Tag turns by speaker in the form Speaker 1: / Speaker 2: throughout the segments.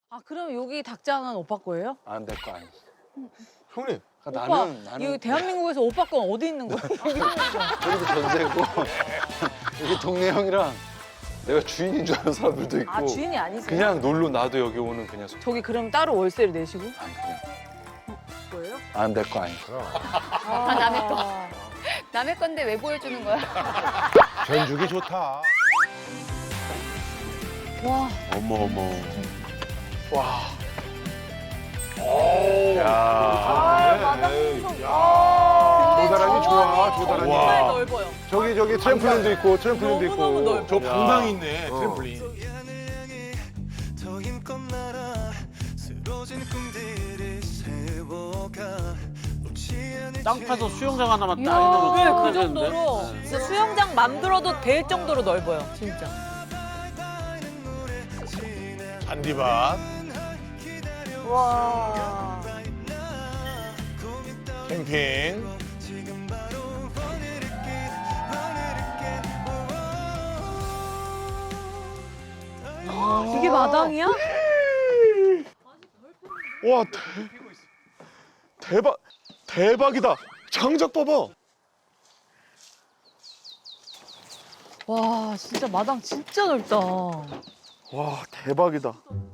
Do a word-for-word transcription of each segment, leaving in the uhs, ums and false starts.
Speaker 1: 아 그럼 여기 닭장은 오빠 거예요?
Speaker 2: 안 될 거 아니야.
Speaker 3: 형님.
Speaker 2: 그러니까
Speaker 1: 오빠,
Speaker 2: 나는 나는
Speaker 1: 이거 대한민국에서 오빠 건 어디 있는 거야?
Speaker 2: 저기도 전세고 여기 동네 형이랑 내가 주인인 줄 아는 사람들도 있고.
Speaker 1: 아 주인이 아니세요?
Speaker 2: 그냥 놀러 나도 여기 오는 그냥 소...
Speaker 1: 저기 그럼 따로 월세를 내시고?
Speaker 2: 아니 그냥
Speaker 1: 뭐예요?
Speaker 2: 안 될 거 아니야.
Speaker 1: 아,
Speaker 4: 남의 거. 남의 건데 왜 보여주는 거야?
Speaker 3: 전죽이 좋다.
Speaker 1: 와.
Speaker 3: 어머 어머.
Speaker 2: 와.
Speaker 3: 야.
Speaker 1: 아 마당 풍선.
Speaker 3: 조다란이 좋아. 조다란이.
Speaker 1: 정말 넓어요.
Speaker 3: 저기 저기 트램플린도 있고 트램플린도 있고.
Speaker 1: 너무너무 넓어.
Speaker 5: 저 방방이 있네,
Speaker 3: 어.
Speaker 5: 트램플린.
Speaker 6: 땅 파서 수영장 하나만
Speaker 1: 이야,
Speaker 6: 딱
Speaker 1: 네,
Speaker 6: 해놓으면
Speaker 1: 그 정도로 진짜 수영장 만들어도 될 정도로 넓어요, 진짜.
Speaker 5: 잔디밭.
Speaker 1: 와.
Speaker 5: 캠핑.
Speaker 1: 이게 마당이야?
Speaker 3: 와 대, 대박 대박이다. 장작 봐봐.
Speaker 1: 와, 진짜 마당 진짜 넓다.
Speaker 3: 와 대박이다.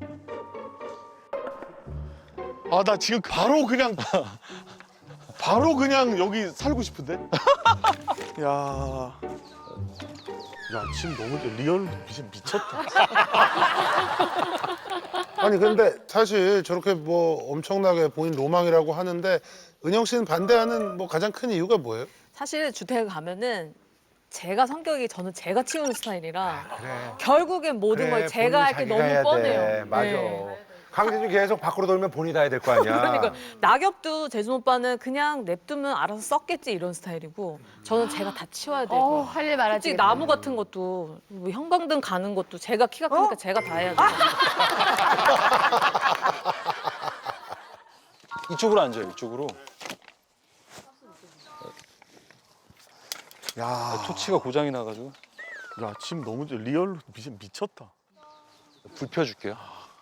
Speaker 3: 아 나 지금 바로 그냥 바로 그냥 여기 살고 싶은데. 야. 야 지금 너무 리얼 미친 미쳤다.
Speaker 7: 아니 근데 사실 저렇게 뭐 엄청나게 본인 로망이라고 하는데 은영 씨는 반대하는 뭐 가장 큰 이유가 뭐예요?
Speaker 1: 사실 주택에 가면은 제가 성격이 저는 제가 치우는 스타일이라
Speaker 8: 그래.
Speaker 1: 결국엔 모든
Speaker 8: 그래,
Speaker 1: 걸 제가 할 게
Speaker 8: 본인이
Speaker 1: 너무
Speaker 8: 자기가 해야
Speaker 1: 뻔해요.
Speaker 8: 돼. 맞아.
Speaker 1: 네.
Speaker 8: 강진이 계속 밖으로 돌면 본인이 다 해야 될 거 아니야.
Speaker 1: 그러니까 낙엽도 재준 오빠는 그냥 냅두면 알아서 썩겠지 이런 스타일이고 저는 제가 다 치워야 되고
Speaker 4: 어, 할 일 많아지.
Speaker 1: 솔직히 나무 같은 것도 뭐 형광등 가는 것도 제가 키가 크니까 제가 다 해야 돼요.
Speaker 2: 이쪽으로 앉아요. 이쪽으로.
Speaker 3: 야,
Speaker 2: 토치가 고장이 나가지고
Speaker 3: 야 지금 너무 리얼 미친 미쳤다.
Speaker 2: 불 펴줄게요.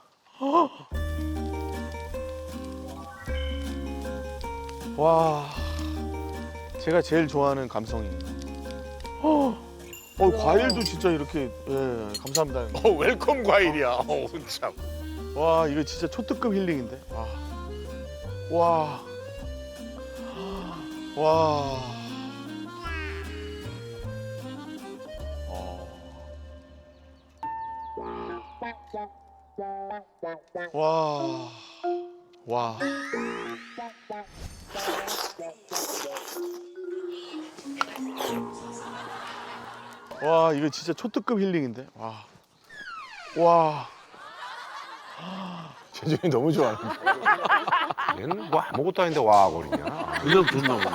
Speaker 3: 와, 제가 제일 좋아하는 감성입니다. 어, 과일도 진짜 이렇게 예, 감사합니다.
Speaker 5: 어, 웰컴 과일이야. 어, 참.
Speaker 3: 와, 이거 진짜 초특급 힐링인데. 와, 와, 와. 와, 와. 와, 이거 진짜 초특급 힐링인데. 와, 와.
Speaker 7: 재준이 너무 좋아하는데.
Speaker 8: 얘는 뭐 아무것도 아닌데 와 거리냐.
Speaker 6: 그냥 듣나 보네.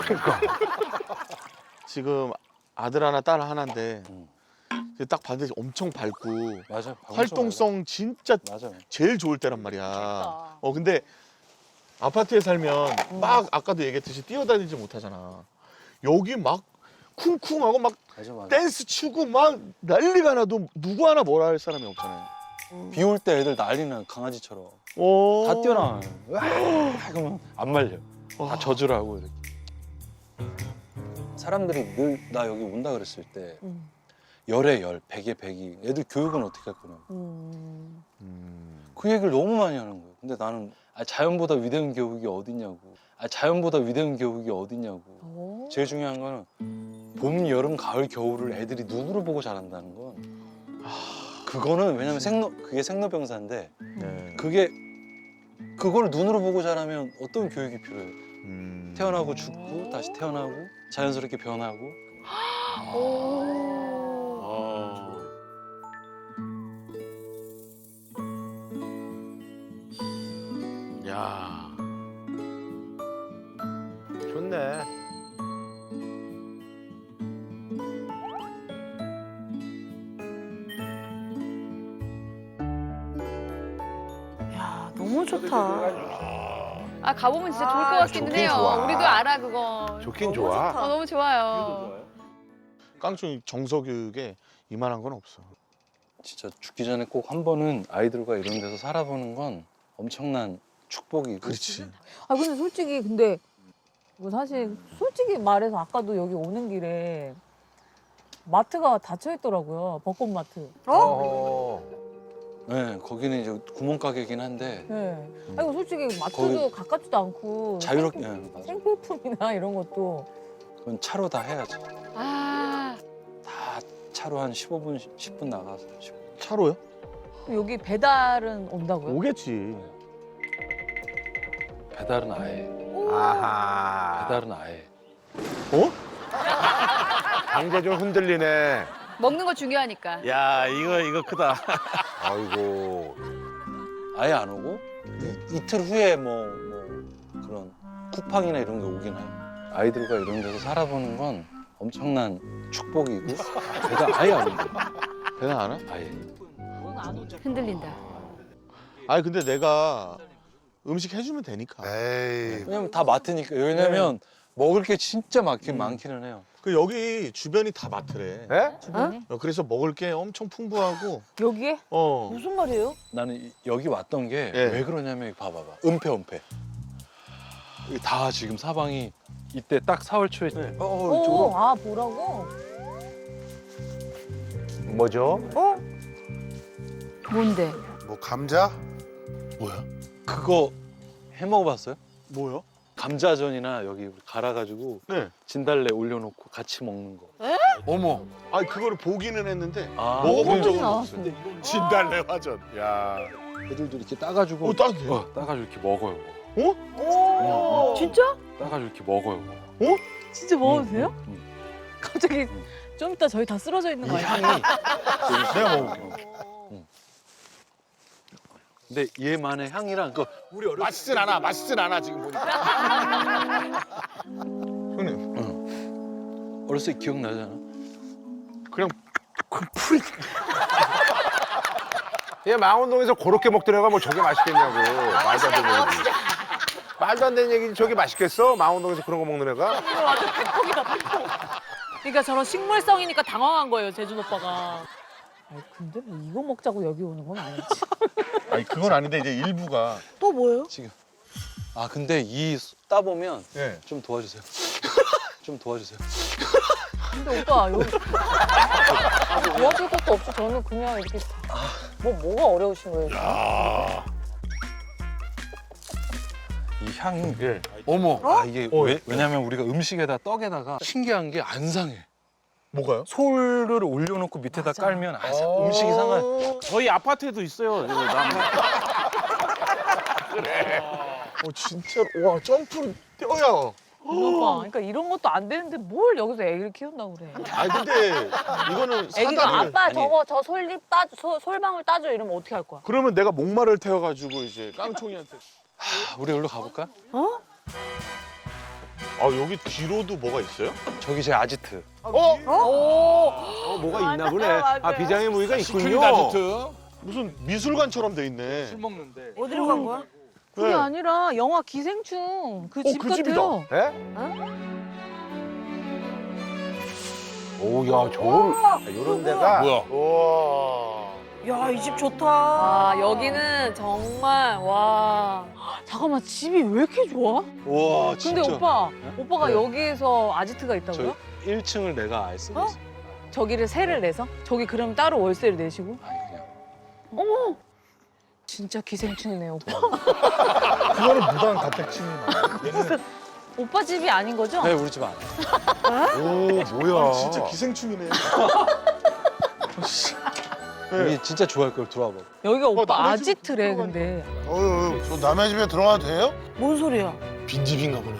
Speaker 3: 지금 아들 하나, 딸 하나인데
Speaker 2: 음.
Speaker 3: 딱 봤는데 엄청 밝고
Speaker 2: 맞아.
Speaker 3: 활동성 진짜
Speaker 2: 맞아.
Speaker 3: 제일 좋을 때란 말이야. 어 근데 아파트에 살면 막 아까도 얘기했듯이 뛰어다니지 못하잖아. 여기 막 쿵쿵하고 막
Speaker 2: 맞아 맞아.
Speaker 3: 댄스 추고 막 난리가 나도 누구 하나 뭐라 할 사람이 없잖아요.
Speaker 2: 비 올 때 애들 난리나 강아지처럼
Speaker 3: 오.
Speaker 2: 다 뛰어나와요. 와 그러면 안 말려.
Speaker 3: 와.
Speaker 2: 다 저주라고 이렇게. 사람들이 늘 나 여기 온다 그랬을 때
Speaker 1: 음.
Speaker 2: 열에 열, 백에 백이 애들 교육은 어떻게 할 거냐고.
Speaker 1: 음.
Speaker 2: 그 얘기를 너무 많이 하는 거예요. 근데 나는 아, 자연보다 위대한 교육이 어딨냐고. 아, 자연보다 위대한 교육이 어딨냐고.
Speaker 1: 오.
Speaker 2: 제일 중요한 거는 봄, 여름, 가을, 겨울을 애들이 눈으로 보고 자란다는 건 그거는 왜냐면 생로 그게 생로병사인데
Speaker 3: 네.
Speaker 2: 그게 그걸 눈으로 보고 자라면 어떤 교육이 필요해요?
Speaker 3: 음.
Speaker 2: 태어나고 죽고 다시 태어나고 자연스럽게 변하고
Speaker 3: 야.
Speaker 8: 좋네.
Speaker 1: 야, 너무 좋다.
Speaker 4: 아, 가보면 진짜 좋을 것
Speaker 1: 아,
Speaker 4: 같기는
Speaker 8: 좋긴
Speaker 4: 해요.
Speaker 8: 좋아.
Speaker 4: 우리도 알아, 그거.
Speaker 8: 좋긴
Speaker 1: 너무
Speaker 8: 좋아.
Speaker 1: 좋다.
Speaker 4: 어, 너무 좋아요.
Speaker 3: 깡총 정서교육에 이만한 건 없어.
Speaker 2: 진짜 죽기 전에 꼭 한 번은 아이들과 이런 데서 살아보는 건 엄청난 축복이고.
Speaker 3: 그렇지.
Speaker 1: 아 근데 솔직히 근데 뭐 사실 솔직히 말해서 아까도 여기 오는 길에 마트가 닫혀 있더라고요. 벚꽃 마트.
Speaker 8: 어?
Speaker 2: 네, 거기는 이제 구멍가게긴 한데
Speaker 1: 네. 아이고 솔직히 마트도
Speaker 2: 거기
Speaker 1: 가깝지도 않고
Speaker 2: 자유롭게
Speaker 1: 생필-
Speaker 2: 네, 맞아.
Speaker 1: 생필품이나 이런 것도
Speaker 2: 그건 차로 다 해야지.
Speaker 4: 아,
Speaker 2: 다 차로 한 십오 분, 십 분 나가서.
Speaker 3: 차로요?
Speaker 1: 여기 배달은 온다고요?
Speaker 3: 오겠지.
Speaker 2: 배달은 아예.
Speaker 8: 아하.
Speaker 2: 배달은 아예.
Speaker 3: 어?
Speaker 8: 강제 좀 흔들리네.
Speaker 4: 먹는 거 중요하니까.
Speaker 6: 야 이거 이거 크다.
Speaker 8: 아이고.
Speaker 2: 아예 안 오고 이, 이틀 후에 뭐, 뭐 그런 쿠팡이나 이런 게 오긴 해요. 아이들과 이런 데서 살아보는 건 엄청난 축복이고 배달 아예 안 온다.
Speaker 3: 배달 안 와?
Speaker 2: 아예.
Speaker 4: 흔들린다.
Speaker 3: 아니 근데 내가 음식 해주면 되니까.
Speaker 7: 에이.
Speaker 2: 왜냐면 다 마트니까. 왜냐면 먹을 게 진짜 많긴 많기는 해요.
Speaker 3: 그 여기 주변이 다 마트래.
Speaker 8: 예?
Speaker 1: 주변에?
Speaker 3: 어, 그래서 먹을 게 엄청 풍부하고.
Speaker 1: 여기에?
Speaker 3: 어.
Speaker 1: 무슨 말이에요?
Speaker 2: 나는 이- 여기 왔던 게
Speaker 3: 예.
Speaker 2: 왜 그러냐면 이거 봐봐봐. 은폐 은폐. 이게 다 지금 사방이 이때 딱 사월 초에
Speaker 3: 네.
Speaker 2: 어, 어,
Speaker 1: 오,
Speaker 2: 저거
Speaker 1: 아 보라고?
Speaker 8: 뭐죠?
Speaker 4: 뭔데?
Speaker 7: 뭐 감자?
Speaker 3: 뭐야?
Speaker 2: 그거 해 먹어봤어요?
Speaker 3: 뭐요?
Speaker 2: 감자전이나 여기 갈아가지고
Speaker 3: 네.
Speaker 2: 진달래 올려놓고 같이 먹는 거.
Speaker 5: 어머.
Speaker 3: 아니 그거를 보기는 했는데
Speaker 2: 아,
Speaker 3: 먹어본 적은
Speaker 1: 나왔어.
Speaker 3: 없어요.
Speaker 5: 진달래 화전. 야.
Speaker 2: 애들도 이렇게 따가지고
Speaker 3: 어, 따도 돼요?
Speaker 2: 어, 따가지고 이렇게 먹어요.
Speaker 3: 어?
Speaker 1: 진짜?
Speaker 2: 따가지고 이렇게 먹어요.
Speaker 1: 진짜 먹어도 돼요?
Speaker 2: 응.
Speaker 1: 갑자기 좀 이따 저희 다 쓰러져 있는 거
Speaker 2: 이
Speaker 1: 아니에요?
Speaker 2: 향이
Speaker 3: 내가 먹을게.
Speaker 2: 응. 근데 얘만의 향이랑 그 우리 어렸을
Speaker 5: 맛있진 않아. 맛있진 않아 지금 보니까.
Speaker 3: 형님
Speaker 2: 어렸을 때 기억나잖아.
Speaker 3: 그냥
Speaker 8: 그냥 망원동에서 그렇게 먹더라가 뭐 저게 맛있겠냐고. 말도 안 되는 얘기. 말도 안 되는 얘기 저게 맛있겠어? 망원동에서 그런 거 먹는 애가?
Speaker 1: 완전 팩폭이다 팩폭. 그러니까 저런 식물성이니까 당황한 거예요 재준 오빠가. 아니 근데 뭐 이거 먹자고 여기 오는 건 아니지.
Speaker 3: 아니 그건 아닌데 이제 일부가
Speaker 1: 또 뭐예요?
Speaker 2: 지금. 아 근데 이 따보면
Speaker 3: 예.
Speaker 2: 좀 도와주세요. 좀 도와주세요.
Speaker 1: 근데 오빠 여기 도와줄 것도 없어. 저는 그냥 이렇게 뭐 뭐가 어려우신 거예요?
Speaker 2: 이 향이
Speaker 3: 예.
Speaker 5: 어머.
Speaker 2: 아 이게
Speaker 3: 어,
Speaker 2: 왜,
Speaker 3: 예.
Speaker 2: 왜냐면 우리가 음식에다 떡에다가 신기한 게 안 상해.
Speaker 3: 뭐가요?
Speaker 2: 솔을 올려놓고 밑에다
Speaker 1: 맞아.
Speaker 2: 깔면 아, 음식이 상한.
Speaker 6: 저희 아파트에도 있어요. 이거 나
Speaker 3: 어 진짜로 와 점프를 뛰어야.
Speaker 1: 오빠, 그러니까 이런 것도 안 되는데 뭘 여기서 애기를 키운다고 그래?
Speaker 3: 아니 근데 이거는
Speaker 1: 애기가
Speaker 3: 사다를
Speaker 1: 아빠
Speaker 2: 아니.
Speaker 1: 저거 저 솔잎 따 소, 솔방울 따줘 이러면 어떻게 할 거야?
Speaker 3: 그러면 내가 목마를 태워가지고 이제 깡총이한테.
Speaker 2: 아, 우리 여기로 가볼까?
Speaker 3: 아 여기 뒤로도 뭐가 있어요?
Speaker 2: 저기 제 아지트.
Speaker 3: 어?
Speaker 8: 어, 뭐가 있나 보네.
Speaker 1: 맞아요.
Speaker 8: 아 비장의 무기가
Speaker 5: 시크릿
Speaker 8: 있군요.
Speaker 5: 아지트.
Speaker 3: 무슨 미술관처럼 돼 있네.
Speaker 2: 술 먹는데.
Speaker 1: 어디로 간 거야? 그게
Speaker 3: 네.
Speaker 1: 아니라 영화 기생충 그 집
Speaker 3: 그 집이다.
Speaker 1: 같아요.
Speaker 8: 예? 오야 저런 이런 데가
Speaker 5: 뭐야?
Speaker 3: 와.
Speaker 1: 야, 이 집 좋다. 아, 여기는 정말 와. 잠깐만, 집이 왜 이렇게 좋아?
Speaker 2: 와 진짜.
Speaker 1: 근데 오빠, 오빠가
Speaker 2: 네.
Speaker 1: 여기에서 아지트가 있다고요?
Speaker 2: 저 일 층을 내가 아예 쓰고
Speaker 1: 어?
Speaker 2: 있어.
Speaker 1: 저기를 세를 내서? 저기 그럼 따로 월세를 내시고?
Speaker 2: 아니 그냥.
Speaker 1: 어머! 진짜 기생충이네, 오빠.
Speaker 3: 그거는 무단 가택침입. 얘는
Speaker 1: 오빠 집이 아닌 거죠?
Speaker 2: 네 우리 집 안.
Speaker 8: 오 뭐야?
Speaker 3: 아, 진짜 기생충이네.
Speaker 2: 우리 진짜 좋아할 걸 들어와 봐.
Speaker 1: 여기가 오빠
Speaker 3: 남의 집
Speaker 1: 아지트래, 근데.
Speaker 7: 어휴, 저 남의 집에 들어가도 돼요?
Speaker 1: 뭔 소리야?
Speaker 3: 빈집인가 보네.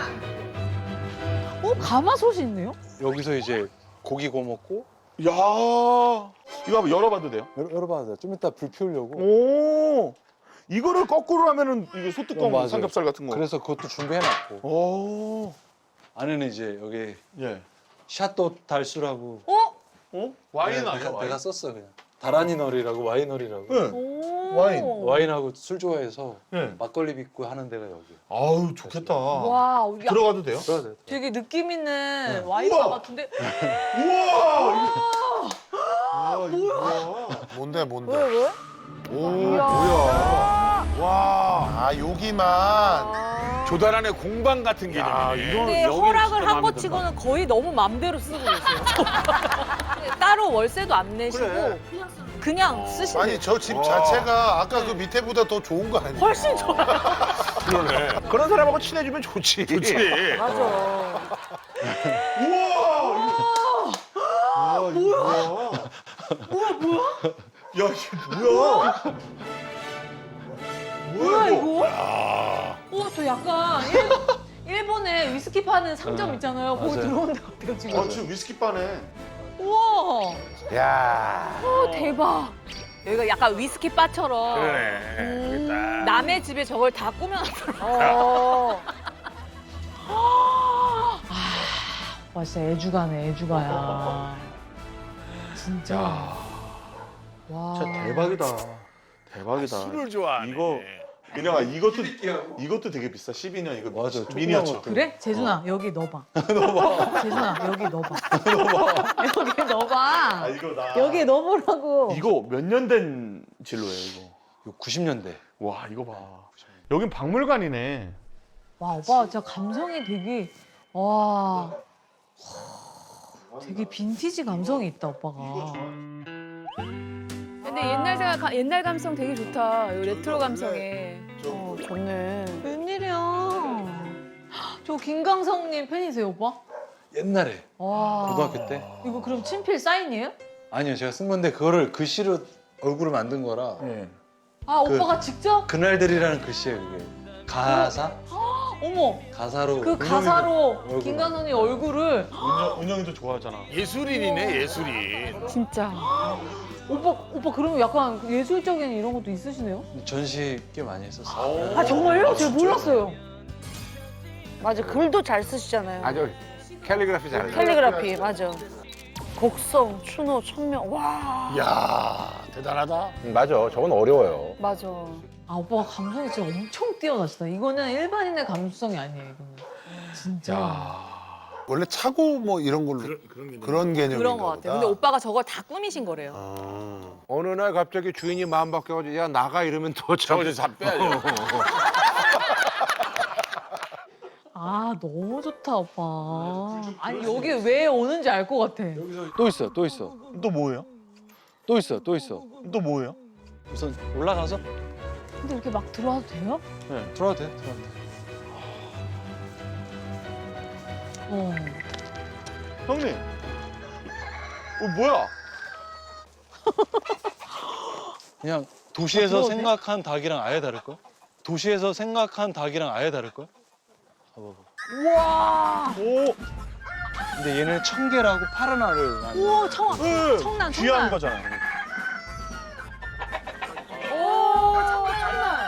Speaker 1: 어, 가마솥이 있네요?
Speaker 2: 여기서 이제 고기 구워 먹고
Speaker 3: 야 이거 한번 열어봐도 돼요?
Speaker 2: 열어, 열어봐도 돼. 좀 이따 불 피우려고.
Speaker 3: 오 이거를 거꾸로 하면은 이게
Speaker 2: 어,
Speaker 3: 소뚜껑
Speaker 2: 맞아요.
Speaker 3: 삼겹살 같은 거.
Speaker 2: 그래서 그것도 준비해놨고
Speaker 3: 오
Speaker 2: 안에는 이제 여기
Speaker 3: 예.
Speaker 2: 샤또 달수라고
Speaker 1: 어?
Speaker 3: 어? 와인
Speaker 2: 내가,
Speaker 3: 아니야
Speaker 2: 내가,
Speaker 3: 와인?
Speaker 2: 내가 썼어 그냥. 다라니널이라고 와이너리라고.
Speaker 3: 네.
Speaker 1: 오.
Speaker 3: 와인.
Speaker 2: 와인하고 술 좋아해서
Speaker 3: 네.
Speaker 2: 막걸리 빚고 하는 데가 여기.
Speaker 3: 아우 좋겠다.
Speaker 1: 와, 야,
Speaker 3: 들어가도 돼요?
Speaker 2: 들어가야 돼.
Speaker 1: 되게 느낌 있는
Speaker 2: 네.
Speaker 1: 와인바
Speaker 3: 우와.
Speaker 1: 같은데?
Speaker 3: 우와
Speaker 7: 뭔데 뭔데?
Speaker 1: 왜 왜?
Speaker 7: 오 뭐야? 와, 아 여기만.
Speaker 5: 조달 안에 공방 같은
Speaker 3: 야,
Speaker 5: 개념이네.
Speaker 3: 이거
Speaker 1: 근데
Speaker 3: 여기
Speaker 1: 허락을
Speaker 3: 진짜
Speaker 1: 한 것
Speaker 3: 마음에
Speaker 1: 치고는 거의 너무 맘대로 쓰고 계세요. 따로 월세도 안 내시고
Speaker 3: 그래.
Speaker 1: 그냥 쓰시네요.
Speaker 7: 아니 저 집 자체가 아까 그 밑에보다 더 좋은 거 아니야?
Speaker 1: 훨씬 좋아요.
Speaker 3: 그러네.
Speaker 8: 그런 사람하고 친해지면 좋지.
Speaker 3: 좋지.
Speaker 1: 맞아.
Speaker 3: 아, 뭐야? 뭐야 뭐야? 야 이게 뭐야?
Speaker 1: 뭐야 이거?
Speaker 3: 아,
Speaker 1: 어, 저 약간 일, 일본에 위스키 파는 상점 있잖아요. 거기
Speaker 2: 맞아요.
Speaker 1: 들어온 것 같아요 지금.
Speaker 3: 아 지금 위스키 바네.
Speaker 1: 우와,
Speaker 8: 야.
Speaker 1: 어, 대박. 여기가 약간 위스키 바처럼
Speaker 5: 그러네.
Speaker 1: 음,
Speaker 5: 그랬다.
Speaker 1: 남의 집에 저걸 다 꾸며놨더라고요. 아, 와 진짜 애주가네 애주가야. 진짜. 와.
Speaker 3: 진짜 대박이다. 대박이다.
Speaker 5: 술을 좋아하네.
Speaker 3: 이거 그냥 이것도 이것도 되게 비싸. 십이 년 이거
Speaker 2: 맞아,
Speaker 3: 미니어처.
Speaker 2: 조그만 것도.
Speaker 1: 그래? 재준아 여기 넣어봐. 넣어봐. 재준아 여기 넣어봐. 넣어봐. 여기 넣어봐.
Speaker 3: 아 이거 나
Speaker 1: 여기 넣어보라고.
Speaker 3: 이거 몇 년 된 진로예요 이거?
Speaker 2: 이거 구십 년대.
Speaker 3: 와 이거 봐. 여긴 박물관이네.
Speaker 1: 와 오빠 진짜 감성이 되게 와 되게 빈티지 감성이 있다 오빠가.
Speaker 4: 근데 옛날 생각, 옛날 감성 되게 좋다. 이 레트로 감성에.
Speaker 1: 어 좋네. 웬일이야. 저 김강성님 팬이세요 오빠?
Speaker 2: 옛날에
Speaker 1: 와.
Speaker 2: 고등학교 때.
Speaker 1: 이거 그럼 친필 사인이에요?
Speaker 2: 아니요, 제가 쓴 건데 그거를 글씨로 얼굴을 만든 거라
Speaker 3: 예.
Speaker 1: 아
Speaker 2: 그-
Speaker 1: 오빠가 직접?
Speaker 2: 그날들이라는 글씨예요, 그게. 가사?
Speaker 1: 어머
Speaker 2: 가사로.
Speaker 1: 그 가사로
Speaker 2: 얼굴.
Speaker 1: 김강성님 얼굴을
Speaker 3: 은영 은영이도 좋아하잖아.
Speaker 5: 예술인이네 예술인.
Speaker 4: 진짜.
Speaker 1: 오빠 오빠 그러면 약간 예술적인 이런 것도 있으시네요?
Speaker 2: 전시 꽤 많이 했었어요.
Speaker 1: 아 정말요? 제가 몰랐어요.
Speaker 9: 맞아, 글도 잘 쓰시잖아요.
Speaker 8: 아주 캘리그라피 잘해.
Speaker 9: 캘리그라피, 맞아. 곡성, 추노, 천명, 와.
Speaker 5: 이야 대단하다.
Speaker 8: 음, 맞아. 저건 어려워요.
Speaker 9: 맞아.
Speaker 1: 아 오빠가 감성이 진짜 엄청 뛰어나시다. 이거는 일반인의 감수성이 아니에요. 이거는 진짜
Speaker 7: 원래 차고 뭐 이런 걸로
Speaker 5: 그런 그런 게
Speaker 7: 그런 개념인가
Speaker 1: 그런 것 같아요.
Speaker 7: 보다.
Speaker 1: 근데 오빠가 저걸 다 꾸미신 거래요.
Speaker 7: 아.
Speaker 8: 어느 날 갑자기 주인이 마음 바뀌어가지고 야 나가 이러면 더
Speaker 5: 저거
Speaker 8: 참.
Speaker 5: 좀 빼야죠.
Speaker 1: 아 너무 좋다 오빠. 아니 여기 왜 오는지 알 것 같아.
Speaker 2: 또 있어, 또 있어.
Speaker 3: 또 뭐예요?
Speaker 2: 또 있어, 또 있어.
Speaker 3: 또 뭐예요?
Speaker 2: 우선 올라가서
Speaker 1: 근데 이렇게 막 들어와도 돼요?
Speaker 2: 들어와도 돼, 들어와도 돼.
Speaker 1: 어.
Speaker 3: 형님. 어 뭐야?
Speaker 2: 그냥 도시에서
Speaker 1: 들어오네?
Speaker 2: 생각한 닭이랑 아예 다를걸? 도시에서 생각한 닭이랑 아예 다를걸? 봐봐봐.
Speaker 1: 우와.
Speaker 3: 오.
Speaker 2: 근데 얘는 청개라고 파란 알을 낳는
Speaker 1: 우와 청
Speaker 3: 네.
Speaker 1: 청란
Speaker 3: 귀한
Speaker 1: 청란.
Speaker 3: 거잖아요.
Speaker 1: 오 청란 청란.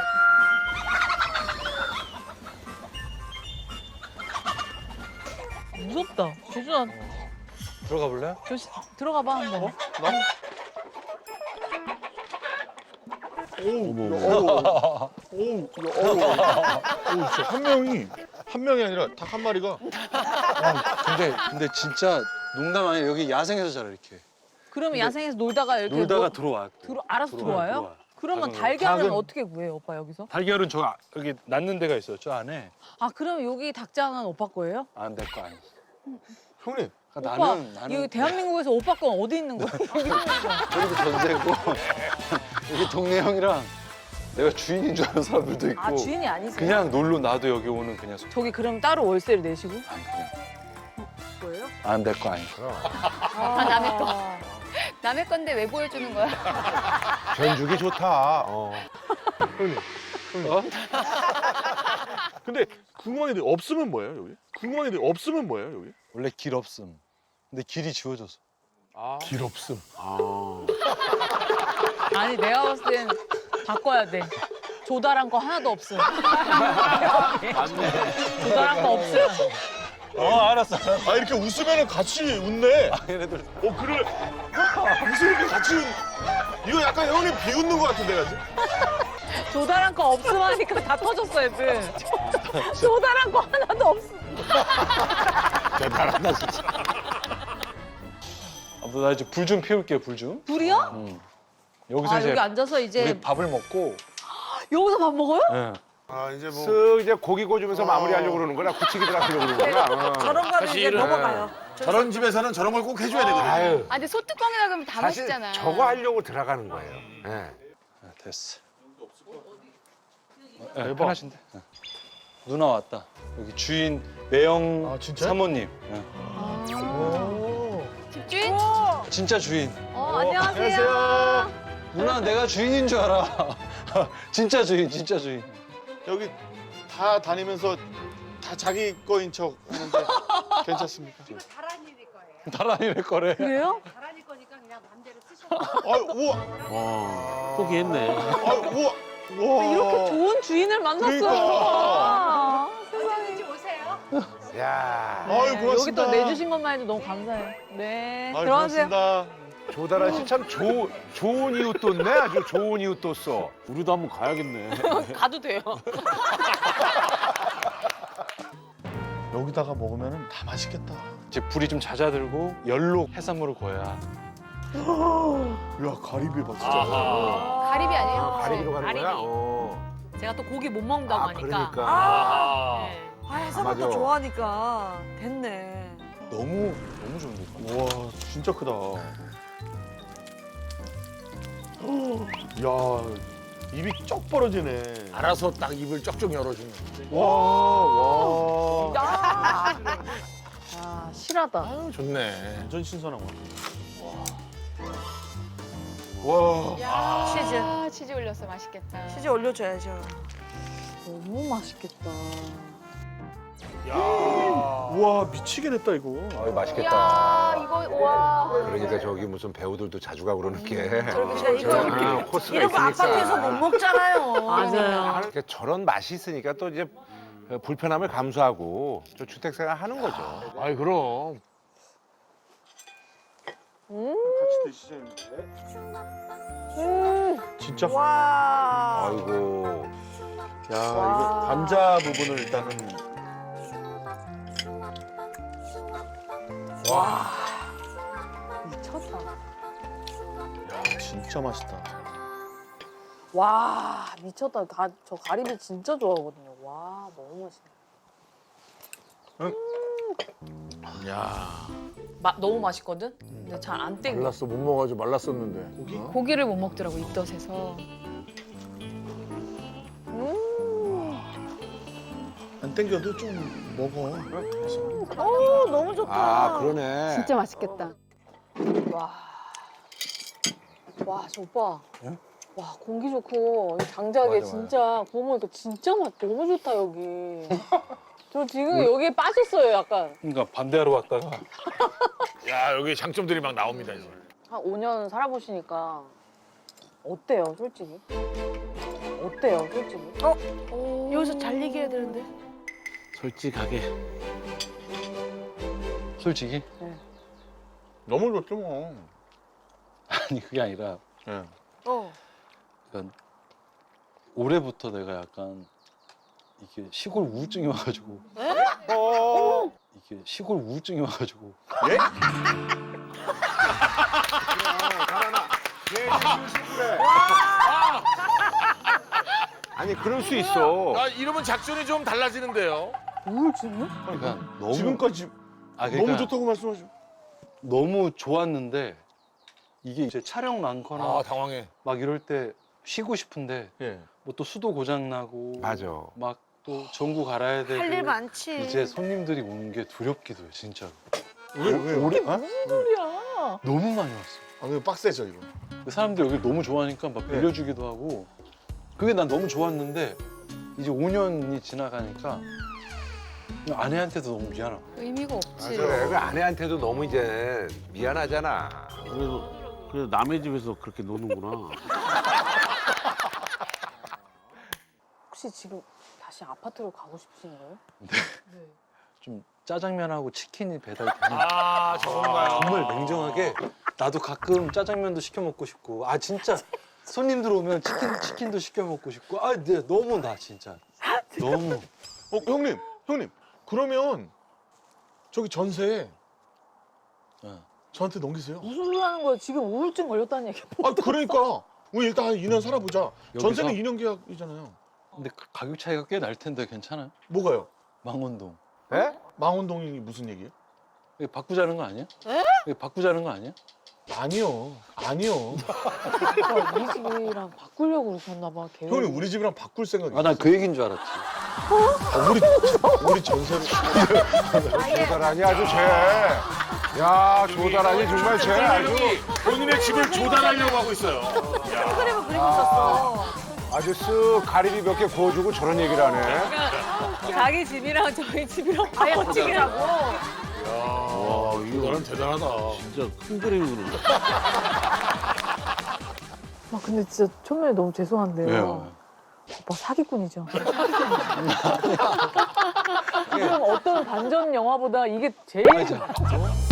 Speaker 1: 무섭다. 재준아
Speaker 2: 들어가 볼래요?
Speaker 1: 조심 들어가 봐 한번.
Speaker 3: 오, 어려워. 오, 이거 어려워. 오, 진짜 한 명이 한 명이 아니라 닭 한 마리가.
Speaker 2: 근데 근데 진짜 농담 아니에요. 여기 야생에서 자라 이렇게.
Speaker 1: 그러면 야생에서 놀다가 이렇게
Speaker 2: 놀다가
Speaker 1: 뭐-
Speaker 2: 들어와.
Speaker 1: 들어 알아서
Speaker 2: 들어와요,
Speaker 1: 들어와요?
Speaker 2: 들어와요.
Speaker 1: 그러면
Speaker 2: 닭은-
Speaker 1: 달걀은
Speaker 2: 닭은-
Speaker 1: 어떻게 구해요 오빠 여기서?
Speaker 2: 달걀은 저 아- 여기 낳는 데가 있어요. 저 안에.
Speaker 1: 아 그럼 여기 닭장은 오빠 거예요?
Speaker 2: 안 될 거 아니야.
Speaker 3: 형님.
Speaker 2: 그러니까
Speaker 1: 오빠
Speaker 2: 나는 나는
Speaker 1: 이거 대한민국에서 오빠 건 어디 있는 거야? 여기 있는 거야.
Speaker 2: 그리고 전세고 여기 동네 형이랑 내가 주인인 줄 아는 사람들도 있고.
Speaker 1: 아 주인이 아니세요?
Speaker 2: 그냥 놀러 나도 여기 오는 그냥 소...
Speaker 1: 저기 그럼 따로 월세를 내시고?
Speaker 2: 아니 그냥
Speaker 1: 뭐예요?
Speaker 2: 안 될 거 아니야.
Speaker 4: 아, 남의 거. 남의 건데 왜 보여주는 거야?
Speaker 8: 견주기 좋다. 어.
Speaker 3: 형님. 형님.
Speaker 2: 어?
Speaker 3: 근데 궁금한 게 없으면 뭐예요 여기? 궁금한 게 없으면 뭐예요 여기?
Speaker 2: 원래 길 없음. 근데 길이 지워졌어.
Speaker 3: 아.
Speaker 5: 길 없음.
Speaker 1: 아니 내가 봤을 땐 바꿔야 돼. 조달한 거 하나도 없음.
Speaker 3: 맞네.
Speaker 1: 조달한 거 없음.
Speaker 3: 어 알았어. 아 이렇게 웃으면 같이 웃네.
Speaker 2: 얘네들
Speaker 3: 어 그래. 웃으니까 같이 웃. 이거 약간 형님 비웃는 것 같은데 같이.
Speaker 1: 조달한 거 없음 하니까 다 터졌어 애들. 조달한 거 하나도 없음.
Speaker 5: 대단하다 진짜.
Speaker 2: 아, 나 이제 불 좀 피울게, 불 좀.
Speaker 1: 불이요?
Speaker 2: 응. 여기서
Speaker 1: 아
Speaker 2: 이제
Speaker 1: 여기 앉아서 이제
Speaker 2: 우리 밥을 먹고.
Speaker 1: 여기서 밥 먹어요?
Speaker 2: 예.
Speaker 7: 아 이제 뭐
Speaker 8: 쓱 이제 고기 구워주면서 마무리하려고 그러는 거나 굳히기 들어가려고 그러는 거나. 어.
Speaker 9: 저런 거는 이제
Speaker 5: 사실은-
Speaker 9: 넘어가요.
Speaker 5: 저런 집에서는 저런 걸 꼭 해줘야 되거든요.
Speaker 8: 아유,
Speaker 4: 아 근데 소뚜껑이라 그러면 다
Speaker 8: 사실
Speaker 4: 맛있잖아.
Speaker 8: 저거 하려고 들어가는 거예요. 예.
Speaker 2: 아, 됐어. 예, 편하신데. 예. 누나 왔다. 여기 주인 매영
Speaker 3: 아, 진짜요?
Speaker 2: 사모님. 예.
Speaker 4: 집주인?
Speaker 2: 진짜 주인.
Speaker 1: 어 안녕하세요.
Speaker 2: 누나 내가 주인인 줄 알아. 진짜 주인, 진짜 주인.
Speaker 3: 여기 다 다니면서 다 자기 거인 척 하는데 괜찮습니까?
Speaker 10: 다란이일 거예요.
Speaker 2: 다란이를 거래.
Speaker 1: 그래요?
Speaker 10: 다란이 거니까 그냥 마음대로 쓰셔도
Speaker 3: 아 우와,
Speaker 6: 와, 포기했네.
Speaker 3: 아 우와, 우와.
Speaker 1: 이렇게 좋은 주인을 만났어요.
Speaker 3: 그러니까.
Speaker 1: 아, 세상에.
Speaker 10: 언제든지 오세요.
Speaker 8: 야,
Speaker 3: 아유
Speaker 1: 여기
Speaker 3: 고맙습니다.
Speaker 1: 또 내주신 것만 해도 너무 감사해요. 네.
Speaker 3: 아유,
Speaker 1: 들어가세요.
Speaker 3: 고맙습니다.
Speaker 8: 조다라 씨 참 좋은 이웃 뒀네. 아주 좋은 이웃 뒀어.
Speaker 6: 우리도 한번 가야겠네.
Speaker 9: 가도 돼요.
Speaker 3: 여기다가 먹으면 다 맛있겠다.
Speaker 2: 이제 불이 좀 잦아들고 열로 해산물을 구워야.
Speaker 3: 야 가리비 봐 진짜.
Speaker 5: 아하.
Speaker 4: 가리비 아니에요?
Speaker 8: 아, 가리비로 가는
Speaker 9: 가리비.
Speaker 8: 거야? 어.
Speaker 9: 제가 또 고기 못 먹는다고
Speaker 8: 아,
Speaker 9: 하니까.
Speaker 8: 그러니까.
Speaker 5: 아.
Speaker 9: 네. 아, 해산물도
Speaker 8: 맞아.
Speaker 9: 좋아하니까 됐네.
Speaker 2: 너무 너무 좋은데.
Speaker 3: 우와 진짜 크다. 야 입이 쩍 벌어지네.
Speaker 5: 알아서 딱 입을 쩍쩍 열어주는.
Speaker 3: 와 와.
Speaker 1: 아, 아 실하다.
Speaker 5: 아유 좋네.
Speaker 3: 완전 신선한 거. 와.
Speaker 9: 치즈.
Speaker 4: 아 치즈 올렸어 맛있겠다.
Speaker 9: 치즈 올려줘야죠.
Speaker 1: 너무 맛있겠다.
Speaker 5: 야.
Speaker 3: 우와 미치게 됐다 이거.
Speaker 8: 어이, 맛있겠다.
Speaker 4: 야 이거 와.
Speaker 8: 그러니까 저기 무슨 배우들도 자주 가고 그러는 게.
Speaker 9: 저렇게 이거
Speaker 8: 아, 코스가
Speaker 9: 이런 거
Speaker 8: 있으니까.
Speaker 9: 아파트에서 못 먹잖아요.
Speaker 1: 맞아요.
Speaker 8: 그러니까 저런 맛이 있으니까 또 이제 불편함을 감수하고 저 주택생활 하는 거죠.
Speaker 5: 아이 그럼.
Speaker 3: 같이 드시죠. 진짜.
Speaker 9: 와.
Speaker 8: 아이고.
Speaker 3: 야 이거 관자 부분을 일단은.
Speaker 1: 미쳤다.
Speaker 3: 야 진짜 맛있다.
Speaker 1: 와 미쳤다. 가, 저 가리비 진짜 좋아하거든요. 와 너무 맛있네.
Speaker 5: 야.
Speaker 9: 마, 너무 맛있거든. 근데 잘 안 땡겨.
Speaker 5: 말랐어 못 먹어가지고 말랐었는데. 고기?
Speaker 4: 고기를 못 먹더라고 입덧에서.
Speaker 3: 안 땡겨도 좀 먹어.
Speaker 9: 오 너무 좋다.
Speaker 8: 아, 그러네.
Speaker 4: 진짜 맛있겠다.
Speaker 1: 와. 와, 저 오빠. 와, 공기 좋고, 이 장작에
Speaker 8: 맞아,
Speaker 1: 진짜 구워 먹으니까 진짜 맛 너무 좋다, 여기. 저 지금 여기에 빠졌어요, 약간.
Speaker 2: 그러니까 반대하러 왔다가
Speaker 5: 야 여기 장점들이 막 나옵니다 이제.
Speaker 1: 한 오 년 살아보시니까 어때요, 솔직히? 어때요, 솔직히?
Speaker 9: 여기서 잘 얘기해야 되는데.
Speaker 6: 솔직하게.
Speaker 2: 솔직히
Speaker 3: 너무 좋죠 뭐.
Speaker 2: 아니 그게 아니라
Speaker 3: 예.
Speaker 9: 어.
Speaker 2: 그러니까 올해부터 내가 약간 이게 시골 우울증이 와가지고
Speaker 3: 어.
Speaker 2: 이게 시골 우울증이 와가지고
Speaker 3: 예?
Speaker 8: 아니, 그럴 수 있어.
Speaker 5: 아 이러면 작전이 좀 달라지는데요.
Speaker 1: 우울증이요?
Speaker 2: 그러니까 너무
Speaker 3: 지금까지
Speaker 2: 아, 그러니까
Speaker 3: 너무 좋다고 말씀하시고.
Speaker 2: 너무 좋았는데 이게 이제 촬영 많거나
Speaker 5: 아 당황해.
Speaker 2: 막 이럴 때 쉬고 싶은데
Speaker 3: 예.
Speaker 2: 뭐 또 수도 고장 나고
Speaker 8: 맞아.
Speaker 2: 막 또 전구 갈아야 되고
Speaker 9: 할 일 많지.
Speaker 2: 이제 손님들이 오는 게 두렵기도 해 진짜로.
Speaker 3: 왜 왜?
Speaker 2: 올해
Speaker 1: 무슨 소리야?
Speaker 2: 너무 많이 왔어.
Speaker 3: 아 이거 빡세죠 이거.
Speaker 2: 그 사람들이 여기 너무 좋아하니까 막 빌려주기도 하고 그게 난 너무 좋았는데 이제 오 년이 지나가니까 그냥 아내한테도 너무 미안하고
Speaker 4: 의미가 없지.
Speaker 8: 그래, 그 아내한테도 너무 이제 미안하잖아.
Speaker 6: 그래도 그래도 남의 집에서 그렇게 노는구나.
Speaker 1: 혹시 지금 다시 아파트로 가고 싶으신 거예요?
Speaker 2: 좀 짜장면하고 치킨이 배달되는
Speaker 5: 아 저건가요?
Speaker 2: 정말 냉정하게 나도 가끔 짜장면도 시켜 먹고 싶고 아 진짜 손님들 오면 치킨 치킨도 시켜 먹고 싶고 아 네, 너무 나 진짜 너무
Speaker 3: 어 형님 형님 그러면 저기 전세
Speaker 2: 어.
Speaker 3: 저한테 넘기세요.
Speaker 1: 무슨 소리 하는 거야? 지금 우울증 걸렸다는 얘기.
Speaker 3: 아 그러니까 우리 일단 한 이 년 살아보자.
Speaker 2: 여기서?
Speaker 3: 전세는 이 년 계약이잖아요.
Speaker 2: 근데 그 가격 차이가 꽤 날 텐데 괜찮아요?
Speaker 3: 뭐가요?
Speaker 2: 망원동.
Speaker 8: 예?
Speaker 3: 망원동이 무슨 얘기예요?
Speaker 2: 이거 바꾸자는 거 아니야? 이거 바꾸자는 거 아니야?
Speaker 3: 아니요. 아니요.
Speaker 1: 오빠 우리 집이랑 바꾸려고 그러셨나 봐. 계획.
Speaker 3: 형이 우리 집이랑 바꿀 생각이
Speaker 2: 아, 난 그 얘기인 줄 알았지.
Speaker 3: 어, 우리 우리 전세로.
Speaker 8: 조달하니 아주 쟤. 야 조달하니 정말 쟤 아주
Speaker 5: 본인의 집을 조달하려고 하고 있어요.
Speaker 9: 그림을 그리고 있었어.
Speaker 8: 아주 쓱 가리비 몇 개 구워주고 저런 얘기를 하네.
Speaker 1: 자기 집이랑 저희 집이랑
Speaker 9: 아예 합치기라고.
Speaker 6: 와 이거
Speaker 5: 너는 대단하다.
Speaker 6: 진짜 큰 그림이 그런다.
Speaker 1: 아 근데 진짜 처음에 너무 죄송한데요.
Speaker 2: 왜요?
Speaker 1: 오빠 사기꾼이죠. 그럼 어떤 반전 영화보다 이게 제일
Speaker 2: 맞아.